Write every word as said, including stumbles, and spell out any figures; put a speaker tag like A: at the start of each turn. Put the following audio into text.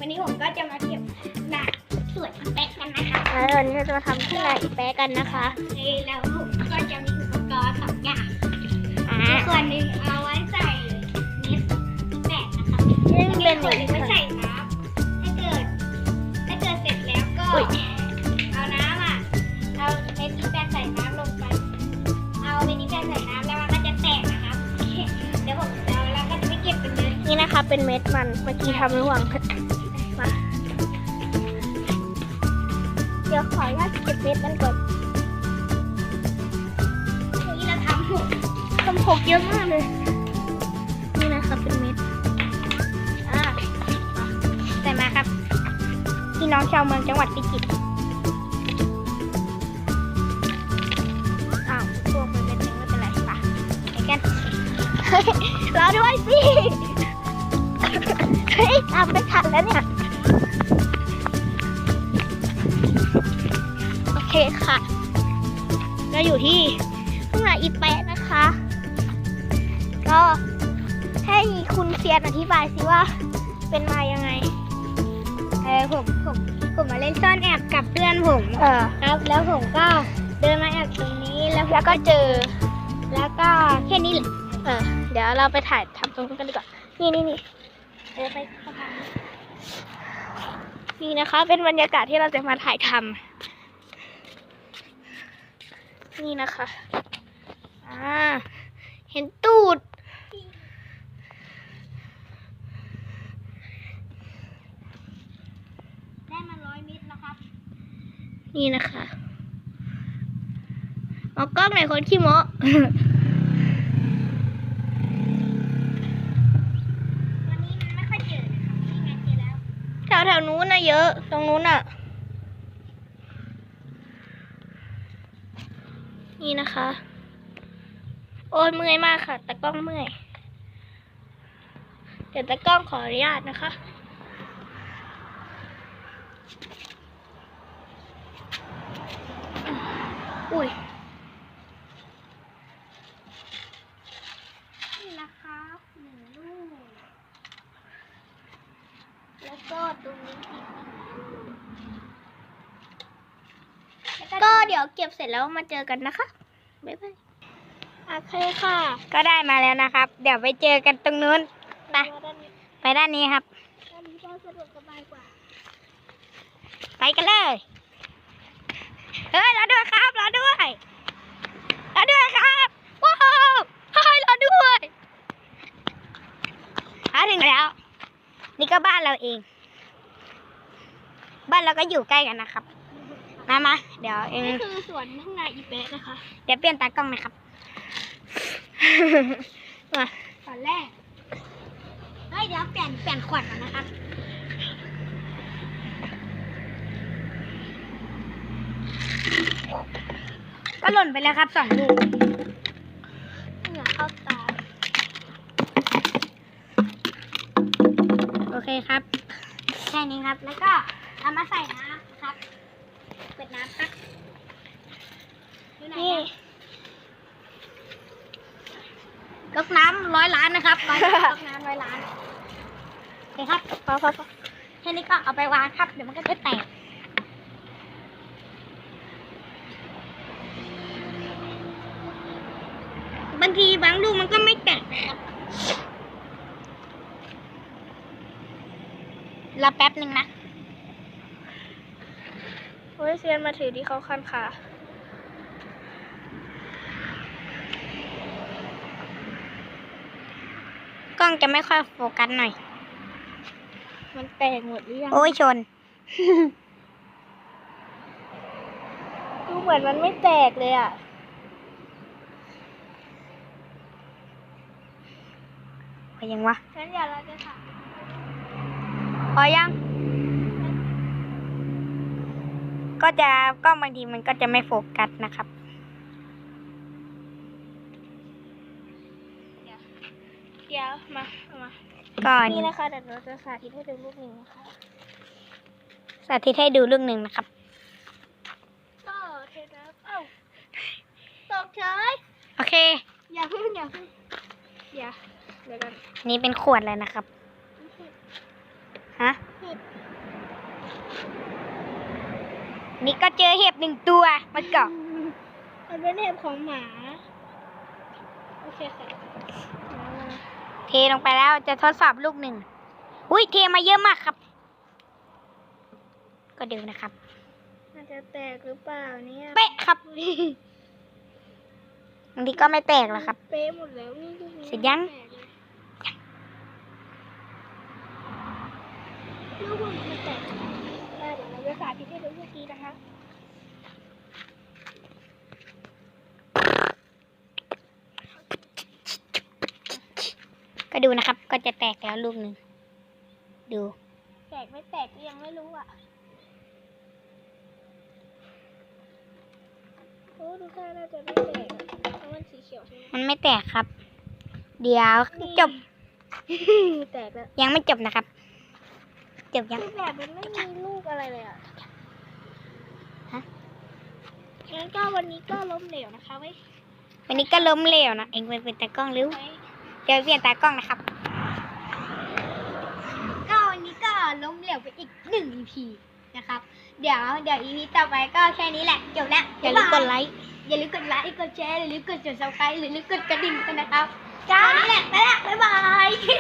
A: วันนี้ผมก็จะมาเก็บหนักสวยอีแป๊กกันนะคะ
B: แล้ววันนี้เราจะมาทำที่ไหนอีแปะกันนะคะ
A: แล้วผมก็จะมีอุปกรณ์สองอย่าง
B: อ่า
A: ส่วนหนึ่งเอาไว้ใส่เม็ดแปะนะคะ
B: นี่
A: มี
B: เป็น
A: ส่วนหนึ่งไว้ใส่น้ำถ้าเกิดถ้าเกิดเสร็จแล้วก็เอาน้ำอ่ะเอาเม็ดอีแปะใส่น้ำลงไปเอาเม็ดอีแปะใส่น้ำแล้วมันก็จะแตกนะครับเดี๋ยวผมจะเอาแล้วก็จะไปเก็บเป็นเลย
B: นี่นะคะเป็นเม็ดมันเมื่อกี้ทำระหว่างมาเดี๋ยวขออนุญาตเก็บเม็ดมันก่อน
A: นี่เราทำหก
B: ทำหกเยอะมากเลยนี่นะคะเป็นเม็ดอ่าใส่มาครับพี่น้องชาวเมืองจังหวัดพิจิตรอ้าวพวกมันเป็นเม็ดไม่เป็นไรป่ะไปกันเฮ้ยรอด้วยสิเฮ้ยทำไม่ทันแล้วเนี่ยโอเคค่ะเราอยู่ที่ทุ่งนาอีแปะนะคะ ก็ให้คุณเซียนอธิบายสิว่าเป็นมายังไง
A: เออผมผมผมมาเล่นซ่อนแอบกับเพื่อนผม
B: เออ
A: ครับแล้วผมก็เดินมาแอบตรงนี้แล้ว
B: แล้วก็เจอ
A: แล้วก็แค่นี้แหละ
B: เออเดี๋ยวเราไปถ่ายทำตรงนู้นกันดีกว่านี่นี่นี่
A: เออไปเข้าไป
B: นี่นะคะ เป็นบรรยากาศที่เราจะมาถ่ายทำนี่นะคะอ่าเห็นตูด
A: ได้มาร้อยเมตรแล้วครับ
B: นี่นะคะเอากล้องหน่อยคนขี้โม
A: วันนี้มันไม่ค่อยเจอนะครับนี่ไงเจอแล้ว
B: แถวแถวนู้นนะเยอะ ตรงนู้นอ่ะ นี่นะคะ โอ้ยเมื่อยมากค่ะตากล้องเมื่อย เดี๋ยวตากล้องขออนุญาตนะคะ อุ้ย
A: นี่นะคะหนึ่งลูกแล้วก็ตรงนี้อีกแล้ว
B: ก็เดี๋ยวเก็บเสร็จแล้วมาเจอกันนะคะบ๊ายบายโอเคค่ะ
A: ก็ได้มาแล้วนะครับ เดี๋ยวไปเจอกันตรงนู้นไป
B: ด้านนี้
A: ไปด้านนี้ครับ
B: ด้านนี้ก็สะดวกสบายกว่า
A: ไปกันเลย เฮ้ยรอด้วยครับรอด้วยรอด้วยครับว้าวเฮ้ยรอด้วยหาถึงแล้ว นี่ก็บ้านเราเอง บ้านเราก็อยู่ใกล้กันนะครับ มามาเดี๋ยวเอง
B: นี่คือสวนทุ่งนาอีแปะนะคะ
A: เดี๋ยวเปลี่ยนตากล้องนะครับ มา
B: ตอนแรก
A: เฮ้ยเดี๋ยวเปลี่ยนเปลี่ยนขวดก่อนนะครับ ก็หล่นไปแล้วครับสองลูก
B: เหงื่อเข้าตา
A: โอเคครับ แค่นี้ครับ แล้วก็เอามาใส่น้ำครับ เปิดน้ำครับอยู่ไหน
B: นี่
A: อะก๊อกน้ำร้อยล้านนะครับร้อยก๊อกน้ำร้อยล้านโอเคครับ
B: พอพอพอ
A: แค่นี้ก็เอาไปวางครับ เดี๋ยวมันก็จะแตก บางทีบางลูกมันก็ไม่แตกนะครับรอแป๊บหนึ่งนะ
B: โอ้ยเซียนมาถือที่เขาคันขา
A: กล้องจะไม่ค่อยโฟกัสหน่อย
B: มันแตกหมดหรือยัง
A: โอ้ยชน
B: ดูเหมือนมันไม่แตกเลยอ่ะ
A: พอยังวะ
B: งั้นอย่าเราจะถาม
A: พอยัง ก็จะกล้องบางทีมันก็จะไม่โฟกัสนะครับ
B: เดี๋ยวมาเอามา
A: ก็
B: นี่นะคะเดี๋ยวเราจะสาธิตให้ดูรูปหนึ่งนะคะ
A: สาธิตให้ดูลูกหนึ่งนะครับ
B: ก็เทน้ำเอ้าตกเฉย
A: โอเค
B: อย่าพึ่งอย่าพึ่งอย่าเดี๋ยวกัน
A: นี่เป็นขวดเลยนะครับ ฮะ
B: ผิด
A: นี่ก็เจอเห็บหนึ่งตัวมาเกาะ
B: มันเป็นเห็บของหมา โอเคค่ะ
A: เทลงไปแล้วจะทดสอบลูกหนึ่งอุ้ยเทมาเยอะมากครับ ก็ดูนะครับ
B: มันจะแตกหรือเปล่าเนี่ย
A: เป๊ะครับบางทีก็ไม่แตกหรอกครับ
B: เป๊ะหมดแล้วนี่ลูกนี้
A: เสร็จยัง
B: แตกเลยลูกมันแตกได้เดี๋ยวเราจะสาธิตให้ดูเมื่อกี้นะคะ
A: ก็ดูนะครับ ก็จะแตกแล้วลูกหนึ่งดู
B: แตกไม่แตกก็ยังไม่รู้อ่ะโอ้ดูท่าน่าจะไม่แตกอะเพราะมันสีเขียวใช่ไหม
A: มันไม่แตกครับ เดี๋ยวจบ
B: แตกแล้ว
A: ยังไม่จบนะครับ จบยัง
B: คือแบบมันไม่มีลูกอะไรเลยอ่ะ
A: ฮะ
B: งั้นก็วันนี้ก็ล้มเหลวนะคะไว้
A: วันนี้ก็ล้มเหลวนะเองไปเป็นตากล้องหรือ
B: ไว้
A: เดี๋ยวเปลี่ยนตากล้องนะครับ ก็วันนี้ก็ล้มเหลวไปอีกหนึ่ง อี พี นะครับ เดี๋ยวเดี๋ยว อี พี ต่อไปก็แค่นี้แหละ จบแล้ว
B: อย่าลืมกดไลค์
A: อย่าลืมกดไลค์ กดแชร์ อย่าลืมกด ซับสไครบ์ อย่าลืมกดกระดิ่งกันนะครับจ้าวันนี้แหละ ไปละบ๊ายบาย